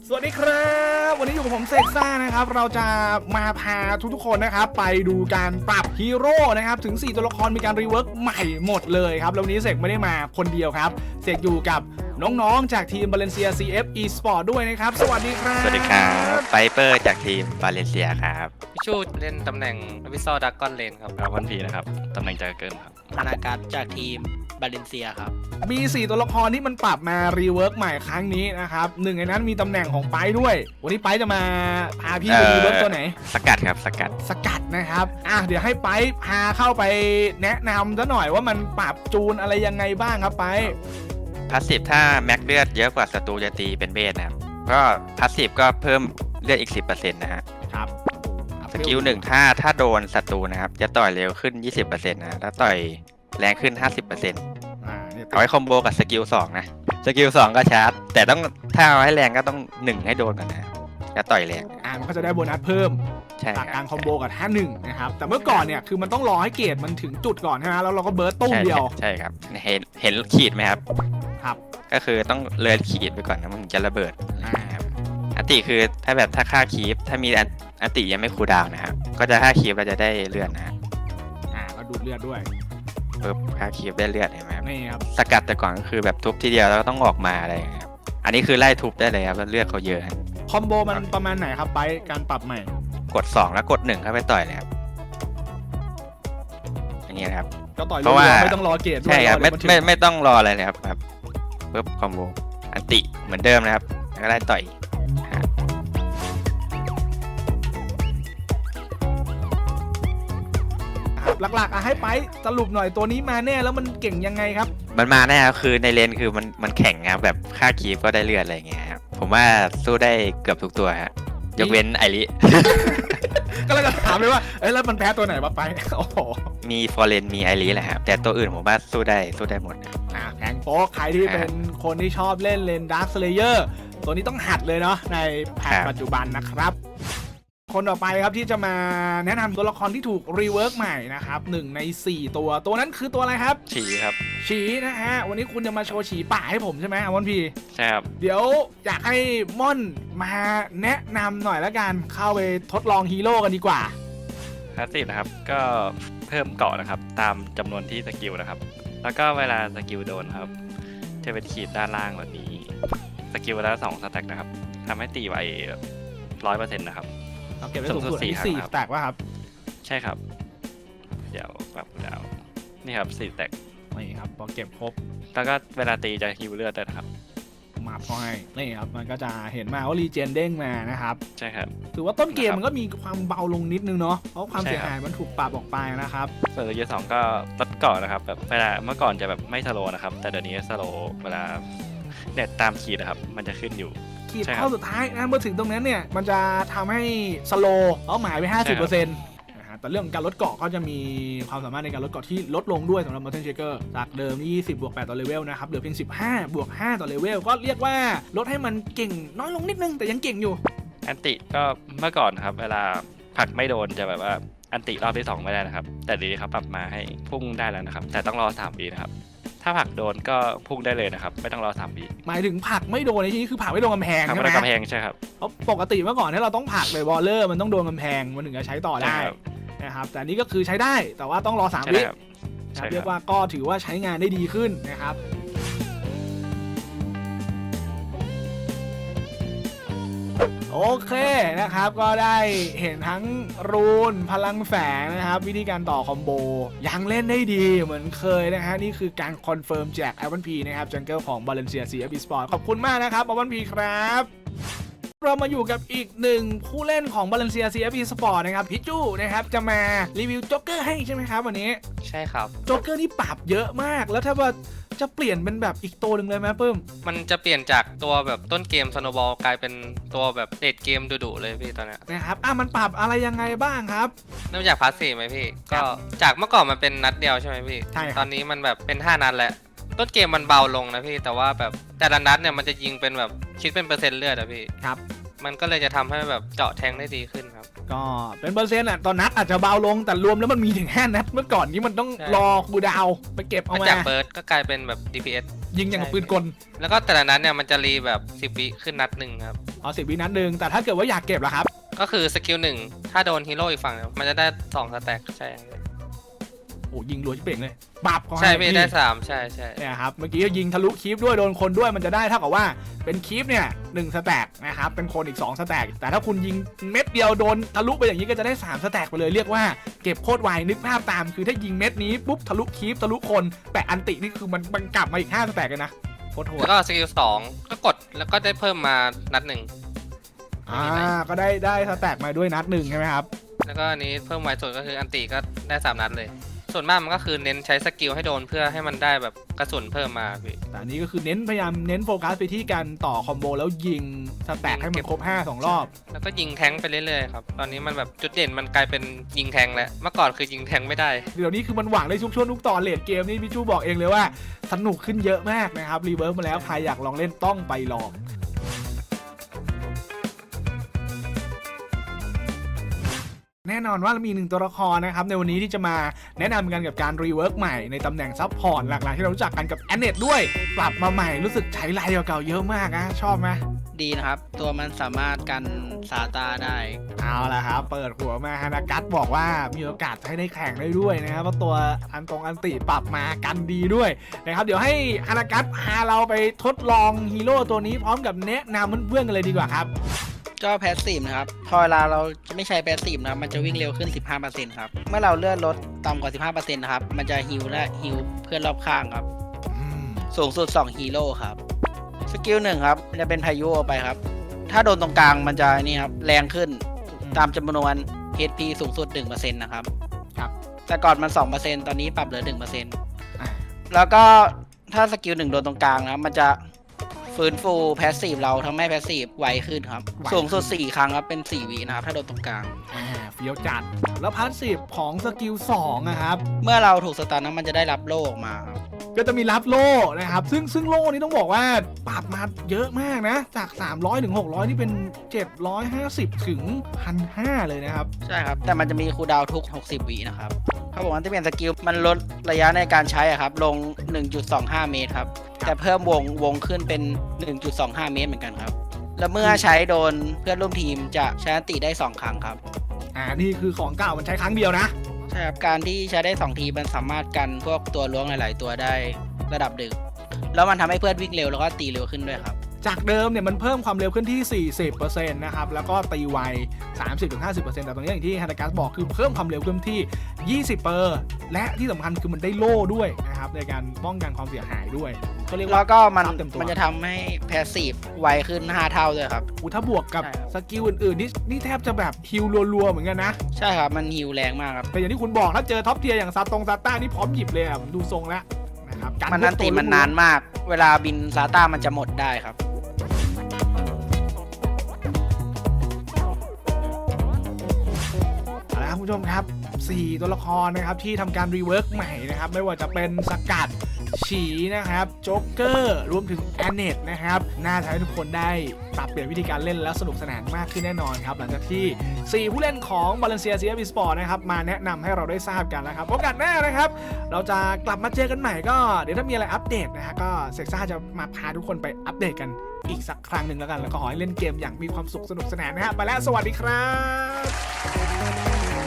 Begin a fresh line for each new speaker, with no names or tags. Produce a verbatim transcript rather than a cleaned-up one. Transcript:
สวัสดีครับวันนี้อยู่กับผมเซกซ่านะครับเราจะมาพาทุกๆคนนะครับไปดูการปรับฮีโร่นะครับถึงสี่ตัวละครมีการรีเวิร์กใหม่หมดเลยครับแล้ววันนี้เซกไม่ได้มาคนเดียวครับเซกอยู่กับน้องๆจากทีมบาเลนเซีย ซี เอฟ Esport ด้วยนะครับสวัสดีครับ
สวัสดีครับไฟเปอร์จากทีมบาเลนเซียครับ
พี่ชูเล่นตำแหน่งวิซอดักกอนเลนครับ
ครับวันพีนะครับตำแหน่งจากเกินครับ
ธนาการจากทีมบาเลนเซียครับ
มีสี่ตัวละครที่มันปรับมารีเวิร์กใหม่ครั้งนี้นะครับหนึ่งในนั้นมีตำแหน่งของไปด้วยวันนี้ไปจะมาพาพี่ไปรีเวิร์กตัวไหน
สกัดครับสกัด
สกัดนะครับอ่ะเดี๋ยวให้ไปพาเข้าไปแนะนำซะหน่อยว่ามันปรับจูนอะไรยังไงบ้างครับไป
พาสซีฟถ้าแม็กเลือดเยอะกว่าศัตรูจะตีเป็นเบสนะครับก็พาสซีฟก็เพิ่มเลือดอีก สิบเปอร์เซ็นต์ นะฮะ
ครับ
สกิลหนึ่งถ้าถ้าโดนศัตรูนะครับจะต่อยเร็วขึ้น ยี่สิบเปอร์เซ็นต์ นะแล้วต่อยแรงขึ้น ห้าสิบเปอร์เซ็นต์
อ่า
เอาไว้คอมโบกับสกิลสองนะสกิลสองก็ชาร์จแต่ต้องถ้าเอาให้แรงก็ต้องหนึ่งให้โดนก่อนนะจะต่อยแรง
อ่ามันก็จะได้โบนัสเพิ่มจากการคอมโบกับท่าหนึ่งนะครับแต่เมื่อก่อนเนี่ยคือมันต้องรอให้เกรดมันถึงจุดก่อนใช่ไหมแล้วเราก็เบิร์ตตุ้มเดียว
ใช่ครับเห็นเห็นขีดไหมครับ
ครับ
ก็คือต้องเลยขีดไปก่อนนะมันจะระเบิดอันติคือถ้าแบบถ้าค่าคีฟถ้ามีอันติยังไม่คูลดาวน์นะครับก็จะค่าคีฟเราจะได้เลือดนะฮะ
อ่าก็ดูดเลือดด้วย
ปึ๊บค่าคีฟได้เลือดเห็นไหมครับ
นี่ครับ
สกัดแต่ก่อนก็คือแบบทุบทีเดียวแล้วก็ต้องออกมาอะไรอย่างเงี้ยครับอันนี้คือไล่ทุบได้เลยครับแล้วเลือดเขาเยอะ
คอมโบมันประมาณไหนครับไปการปรับใหม่
กดสองแล้วกดหนึ่งเข้าไปต่อยเลยครับอย่างเงี้ยครับ
ก็ต่อยเพราะว่าไม่ต้องรอเกรด
ใช่ครับไม่ไม่ไม่ต้องรออะไรเลยครับครับปึ๊บคอมโบอันติเหมือนเดิมนะครับแล้วก็ไล่ต่อย
หลักๆอ่ะให้ไปสรุปหน่อยตัวนี้มาแน่แล้วมันเก่งยังไงครับ
มันมาแน่ครับคือในเลนคือมันมันแข่งครับแบบค่าคีฟก็ได้เลือดอะไรเงี้ยครับผมว่าสู้ได้เกือบทุกตัวฮะยกเว้นไอริ
ก็เลยจะถามเลยว่าเอ้ยแล้วมันแพ้ตัวไหนมาไปโอ้โห
มีฟอร์เรนมีไอริแหละครับแต่ตัวอื่นผมว่าสู้ได้สู้ได้หมด
อ่าแข่งโป๊กใครที่เป็นคนที่ชอบเล่นเลนดาร์คสเลเยอร์ตัวนี้ต้องหัดเลยเนาะในแพทปัจจุบันนะครับคนต่อไปครับที่จะมาแนะนำตัวละครที่ถูกรีเวิร์กใหม่นะครับหนึ่งในสี่ตัวตัวนั้นคือตัวอะไรครับ
ฉีครับ
ฉีนะฮะวันนี้คุณจะมาโชว์ฉีป่าให้ผมใช่ไหมมอนพี
ใช่ครับ
เดี๋ยวอยากให้ม่อนมาแนะนำหน่อยละกันเข้าไปทดลองฮีโร่กันดีกว่า
พาสซีฟนะครับก็เพิ่มเกาะนะครับตามจำนวนที่สกิลนะครับแล้วก็เวลาสกิลโดนครับจะเป็นขีดด้านล่างแบบนี้สกิลละสองสแต็กนะครับทำให้ตีไวร้อยเปอร์เซ็นต์นะครับ
เก็บไว้สูงสุดที่สี่สแต็กว่าครับ
ใช่ครับเดี๋ยวแบบดาวนี่ครับสี่สแต็ก
นี่ครับพอเก็บครบ
แล้วก็เวลาตีจะฮิวเลือดด้วยนะครับ
มาพอยนี่ครับมันก็จะเห็นมาว่ารีเจนเด้งมานะครับ
ใช่ครับ
ถือว่าต้นเกมมันก็มีความเบาลงนิดนึงเนาะเพราะความเสียหายมันถูกปรับออกไปนะครับ
ส่วนตัวที่สองก็ลดเกาะนะครับแบบเวลาเมื่อก่อนจะแบบไม่สโลนะครับแต่เดี๋ยวนี้สโลเวลาเน็ตตามขีดนะครับมันจะขึ้นอยู่
ขีดเข้าสุดท้ายนะเมื่อถึงตรงนั้นเนี่ยมันจะทำให้สโลเป้าหมายไป ห้าสิบเปอร์เซ็นต์ นะฮะแต่เรื่องการลดเกาะก็จะมีความสามารถในการลดเกาะที่ลดลงด้วยสำหรับ Mountain Shaker จากเดิมยี่สิบบวกแปดต่อเลเวลนะครับเหลือเพียงสิบห้าบวกห้าต่อเลเวลก็เรียกว่าลดให้มันเก่งน้อยลงนิดนึงแต่ยังเก่งอยู่
อันติก็เมื่อก่อนครับเวลาผลักไม่โดนจะแบบว่าอันติรอบที่สองไม่ได้นะครับแต่ดีครับปรับมาให้พุ่งได้แล้วนะครับแต่ต้องรอสามปีนะครับถ้าผลักโดนก็พุ่งได้เลยนะครับไม่ต้องรอสามปี
หมายถึงผลักไม่โดนในที่นี้คือผลักไม่โดนกำแพงใช่ไหม
ผลักไม่โดนกำแพงใช่ครับ
เพราะปกติเมื่อก่อนที่เราต้องผลักเลยบอลเลอร์มันต้องโดนกำแพงมันถึงจะใช้ต่อได้นะครับแต่นี้ก็คือใช้ได้แต่ว่าต้องรอสามวิเรียกว่าก็ถือว่าใช้งานได้ดีขึ้นนะครับโอเคนะครับก็ได้เห็นทั้งรูนพลังแฝงนะครับวิธีการต่อคอมโบยังเล่นได้ดีเหมือนเคยนะฮะนี่คือการคอนเฟิร์มจากไอวันพีนะครับจังเกิลของบาเลนเซีย ซี เอฟ Esport ขอบคุณมากนะครับไอวันพีครับเรามาอยู่กับอีกหนึ่งผู้เล่นของบาเลนเซีย ซี เอฟ Esport นะครับพี่จู้นะครับจะมารีวิวโจ๊กเกอร์ให้ใช่ไหมครับวันนี้
ใช่ครับ
โจ๊กเกอร์นี่ปรับเยอะมากแล้วถ้าว่าจะเปลี่ยนเป็นแบบอีกตัวหนึ่งเลยไหมเพิ่ม
มันจะเปลี่ยนจากตัวแบบต้นเกมสโนว์บอลกลายเป็นตัวแบบเดทเกมดุๆเลยพี่ตอนนี้
นะครับอ่ะมันปรับอะไรยังไงบ้างครับ
เริ่มจากพาสซีฟไหมพี่ก็จากเมื่อก่อนมันเป็นนัดเดียวใช่ไหมพี่
ใช่
ตอนนี้มันแบบเป็นห้านัดแล้วต้นเกมมันเบาลงนะพี่แต่ว่าแบบแต่ละนัดเนี่ยมันจะยิงเป็นแบบคิดเป็นเปอร์เซ็นต์เลือดอะพี่
ครับ
มันก็เลยจะทำให้แบบเจาะแทงได้ดีขึ้นครับ
ก็เป็นเปอร์เซ็นต์อ่ะตอนนัดอาจจะเบาลงแต่รวมแล้วมันมีถึงห้านัดเมื่อก่อนนี้มันต้องรอคูดาวไปเก็บเอามา
จากเบิร์ดก็กลายเป็นแบบ ดี พี เอส
ยิงอย่างกับปืนกล
แล้วก็แต่ละนัดเนี่ยมันจะรีแบบสิบวิขึ้นนัดหนึ่งครับ
อ๋อสิบวินัดหนึ่งแต่ถ้าเกิดว่าอยากเก็บล่ะครับ
ก็คือสกิลหนึ่งถ้าโดนฮีโร่อีกฝั่งเนี่ยมันจะได้สองสแต็กใช่
โอ้ยิงรัวชิบเป่งเลยปับเขา
ใช่
ให้
พี่
พี่
ได้สามใช่ใช่
เนี่ยครับเมื่อกี้ก็ยิงทะลุคีฟด้วยโดนคนด้วยมันจะได้เท่ากับว่าเป็นคีฟเนี่ยหนึ่งสแต็กนะครับเป็นคนอีกสองสแต็กแต่ถ้าคุณยิงเม็ดเดียวโดนทะลุไปอย่างนี้ก็จะได้สามสแต็กไปเลยเรียกว่าเก็บโคตรไวนึกภาพตามคือถ้ายิงเม็ดนี้ปุ๊บทะลุคีฟทะลุคนแต่อันตินี่คือมันมันกลับมาอีกห้าสแต็กเลยนะโคตรโหด
แล้วก็สกิลสองก็กดแล้วก็ได้เพิ่มมานัดหนึ่ง
อ่าก็ได้ได้สแต็กมาด้วยนัดหนึ่งใช่ไหมครับ
แล้วก็อันนี้เพิ่มไวสุดก็คืออันติก็ได้สามนัดเลยส่วนมากมันก็คือเน้นใช้สกิลให้โดนเพื่อให้มันได้แบบกระสุนเพิ่มมาพี่
แต่อันนี้ก็คือเน้นพยายามเน้นโฟกัสไปที่การต่อคอมโบแล้วยิงสแต็กให้มันครบห้าสองรอบ
แล้วก็ยิงแทงค์ไปเรื่อยๆครับตอนนี้มันแบบจุดเด่นมันกลายเป็นยิงแทงค์แล้วเมื่อก่อนคือยิงแทงค์ไม่ได้
เดี๋ยวนี้คือมันหวังได้ทุกช่วงทุกตอนเลดเกมนี่พี่จูบอกเองเลยว่าสนุกขึ้นเยอะมากนะครับรีเวิร์สมาแล้วใครอยากลองเล่นต้องไปลองแน่นอนว่าเรามีหนึ่งตัวละครนะครับในวันนี้ที่จะมาแนะนำกันกับการรีเวิร์กใหม่ในตำแหน่งซับพอร์ตหลากหลายที่เรารู้จักกันกับแอนเนตด้วยปรับมาใหม่รู้สึกใช้ลายเก่าๆเยอะมากนะชอบไหม
ดีนะครับ ตัวมันสามารถกันซาตาได้
เอาละครับเปิดหัวมาฮานากัสบอกว่ามีโอกาสให้ได้แข่งได้ด้วยนะครับเพราะตัวอันตรงอันติปรับมากันดีด้วยนะครับเดี๋ยวให้ฮานากัสพาเราไปทดลองฮีโร่ตัวนี้พร้อมกับแนะนำเพื่อนๆกันเลยดีกว่าครับ
ก็แพสซีฟนะครับ พอเวลาเราไม่ใช้แพสซีฟนะครับมันจะวิ่งเร็วขึ้น สิบห้าเปอร์เซ็นต์ ครับ เมื่อเราเลื่อนรถต่ำกว่า สิบห้าเปอร์เซ็นต์ นะครับ มันจะฮิลและฮิลเพื่อนรอบข้างครับ สูงสุด สองฮีโร่ครับ สกิลหนึ่งครับมันจะเป็นพายุออกไปครับ ถ้าโดนตรงกลางมันจะนี่ครับแรงขึ้นตามจำนวน เอช พี สูงสุด หนึ่งเปอร์เซ็นต์ นะครับ
ครับ
แต่ก่อนมัน สองเปอร์เซ็นต์ ตอนนี้ปรับเหลือ หนึ่งเปอร์เซ็นต์
อ่า
แล้วก็ถ้าสกิลหนึ่งโดนตรงกลางนะครับมันจะฟื้นฟูแพสซีฟเราทำให้แพสซีฟไวขึ้นครับ สูงสุด สี่ ครั้งครับ เป็น สี่ วินะครับ ถ้าโดนตรงกลาง
อ่าเฟี้ยวจัดแล้วพาสซีฟของสกิลสองนะครับ
เมื่อเราถูกสตาร์นมันจะได้รับโล่ออกมาครับ
ก็จะมีรับโล่นะครับซึ่งซึ่งโล่นี้ต้องบอกว่าปรับมาเยอะมากนะจากสามร้อยถึงหกร้อยนี่เป็นเจ็ดร้อยห้าสิบถึง หนึ่งพันห้าร้อย เลยนะครับ
ใช่ครับ แต่มันจะมีคูลดาวน์ทุก หกสิบ วินะครับเขาบอกว่าที่เป็นสกิลมันลดระยะในการใช้อะครับลง หนึ่งจุดสองห้า เมตรครับ แต่เพิ่มวงวงขึ้นเป็น หนึ่งจุดสองห้า เมตรเหมือนกันครับ แล้วเมื่อใช้โดนเพื่อนร่วมทีมจะใช้อันติได้สองครั้งครับ
อ่านี่คือของเก่ามันใช้ครั้งเดียวนะ
ใช่ครับการที่ใช้ได้สองทีมันสามารถกันพวกตัวล้วงหลาย ๆ ตัวได้ระดับหนึ่งแล้วมันทำให้เพื่อนวิ่งเร็วแล้วก็ตีเร็วขึ้นด้วยครับ
จากเดิมเนี่ยมันเพิ่มความเร็วขึ้นที่ สี่สิบเปอร์เซ็นต์ นะครับแล้วก็ตีไว สามสิบถึงห้าสิบเปอร์เซ็นต์ แต่ตรงนี้อย่างที่ฮานากัสบอกคือเพิ่มความเร็วขึ้นที่ ยี่สิบเปอร์เซ็นต์ และที่สำคัญคือมันได้โล่ด้วยนะครับในการป้องกันความเสียหายด้วยก็เรียก
แล้
ว่าว
ก็มัน
ซับเต็มตัว
มันจะทำให้แพสซีฟไวขึ้นห้าเท่าด้วยครับ
อุถ้าบวกกับ
ใช่ครับ
สกิลอื่นๆนี่นี่แทบจะแบบฮิลรัวๆเหมือนกันนะ
ใช่ครับมันฮิวแรงมากครับ
แต่อย่างที่คุณบอกถ้าเจอท็อปเทียร์อย่างซาตงซาต้านี่พร้อมหยิบเลยอะผมดูทรงแล้วนะครับการ
มันนันติมันนานมาก เวลาบินซาต้ามันจะหมดได้ครับ
เอาละครับคุณผู้ชมครับสี่ตัวละครนะครับที่ทำการรีเวิร์กใหม่นะครับไม่ว่าจะเป็นสกัดฉีนะครับโจ๊กเกอร์รวมถึงแอนเนตนะครับน่าจะให้ทุกคนได้ปรับเปลี่ยนวิธีการเล่นแล้วสนุกสนานมากขึ้นแน่นอนครับหลังจากที่สี่ผู้เล่นของ Valencia ซี เอฟ Esport นะครับมาแนะนำให้เราได้ทราบกันแล้วครับโอกาสหน้านะครับเราจะกลับมาเจอกันใหม่ก็เดี๋ยวถ้ามีอะไรอัปเดตนะฮะก็เซกซ่าจะมาพาทุกคนไปอัปเดตกันอีกสักครั้งหนึ่งแล้วกันแล้วก็ขอให้เล่นเกมอย่างมีความสุขสนุกสนานนะฮะไปแล้วสวัสดีครับ